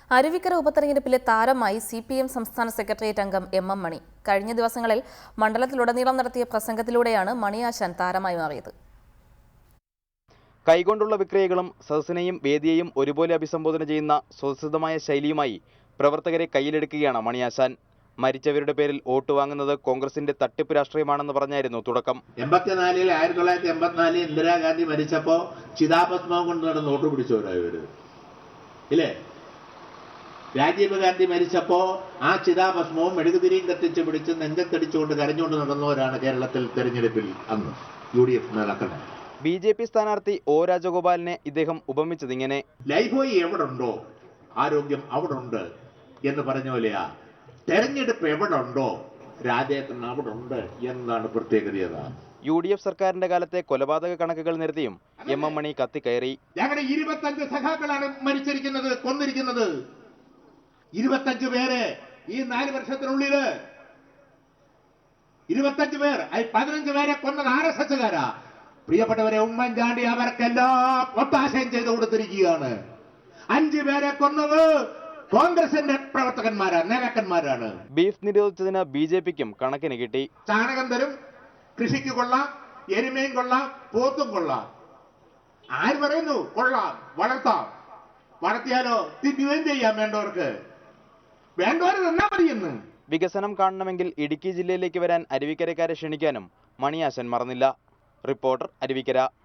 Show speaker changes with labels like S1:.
S1: അരുവിക്കര ഉപതെരഞ്ഞെടുപ്പിലെ താരമായി CPM സംസ്ഥാന secretariat അംഗം MM മണി. കഴിഞ്ഞ ദിവസങ്ങളിൽ മണ്ഡലത്തിലുടനീളം നടത്തിയ പ്രസംഗത്തിലൂടെയാണ് മണിയാശാൻ താരമായി മാറിയത്.
S2: കൈകൊണ്ടുള്ള വിക്രിയകളും സദസ്സിനെയും വേദിയെയും ഒരുപോലെ അഭിസംബോധന ചെയ്യുന്ന സ്വതസിദ്ധമായ ശൈലിയുമായി പ്രവർത്തകരെ കയ്യിലെടുക്കുകയാണ് മണിയാശാൻ. മരിച്ചവരുടെ പേരിൽ വോട്ട് വാങ്ങുന്നത് കോൺഗ്രസിന്റെ തട്ടിപ്പ് രാഷ്ട്രീയമാണെന്ന് പറഞ്ഞായിരുന്നു തുടക്കം.
S3: 1984 ഇന്ദിരാഗാന്ധി മരിച്ചപ്പോ ചിതാഭസ്മം കൊണ്ട് നടന്ന് വോട്ട് പിടിച്ചവരായവര് ഇല്ലേ? രാജീവ് ഗാന്ധി മരിച്ചപ്പോ ആ ചിതാഭസ്മവും മെഴുകുതിരിയും കത്തിച്ച് പിടിച്ച് നെഞ്ചത്തടിച്ചുകൊണ്ട് കരഞ്ഞുകൊണ്ട് നടന്നവരാണ് കേരളത്തിൽ തെരഞ്ഞെടുപ്പിൽ അന്ന് UDF നേതാക്കൾ.
S2: BJP സ്ഥാനാർത്ഥി O രാജഗോപാലിനെ ഇദ്ദേഹം ഉപമിച്ചതിങ്ങനെ:
S3: ലൈഫോയി എവിടെ ഉണ്ടോ ആരോഗ്യം അവിടെ ഉണ്ട് എന്ന് പറഞ്ഞ പോലെയാ തെരഞ്ഞെടുപ്പ് എവിടെ ഉണ്ടോ രാജേട്ടൻ അവിടെ ഉണ്ട് എന്നാണ് പ്രത്യേകത.
S2: UDF സർക്കാരിന്റെ കാലത്തെ കൊലപാതക കണക്കുകൾ നിരത്തിയും MM മണി കത്തിക്കയറി.
S3: ഞങ്ങളുടെ 25 സഖാക്കളാണ് മരിച്ചിരിക്കുന്നത്, കൊന്നിരിക്കുന്നത്. 25 പേര് ഈ 4 വർഷത്തിനുള്ളില് 25 പേർ, 15 പേരെ കൊന്നത് RSSകാരാ. പ്രിയപ്പെട്ടവരെ, ഉമ്മൻചാണ്ടി അവർക്കെല്ലാം ഒത്താശയം ചെയ്തു കൊടുത്തിരിക്കുകയാണ്. 5 പേരെ കൊന്നത് കോൺഗ്രസിന്റെ പ്രവർത്തകന്മാരാണ്, നേതാക്കന്മാരാണ്.
S2: ബീഫ് നിരോധിച്ചതിന് BJPക്കും കണക്കിന് കിട്ടി.
S3: ചാണകം തരും, കൃഷിക്ക് കൊള്ളാം, എരുമയും കൊള്ളാം, പോത്തും കൊള്ളാം. ആര് പറയുന്നു കൊള്ളാം, വളർത്താം, വളർത്തിയാലോ തിന്നുകയും ചെയ്യാം. വേണ്ടവർ തന്നാ മതിയെന്ന്.
S2: വികസനം കാണണമെങ്കിൽ ഇടുക്കി ജില്ലയിലേക്ക് വരാൻ അരുവിക്കരക്കാരെ ക്ഷണിക്കാനും മണിയാശാൻ മറന്നില്ല. റിപ്പോർട്ടർ, അരുവിക്കര.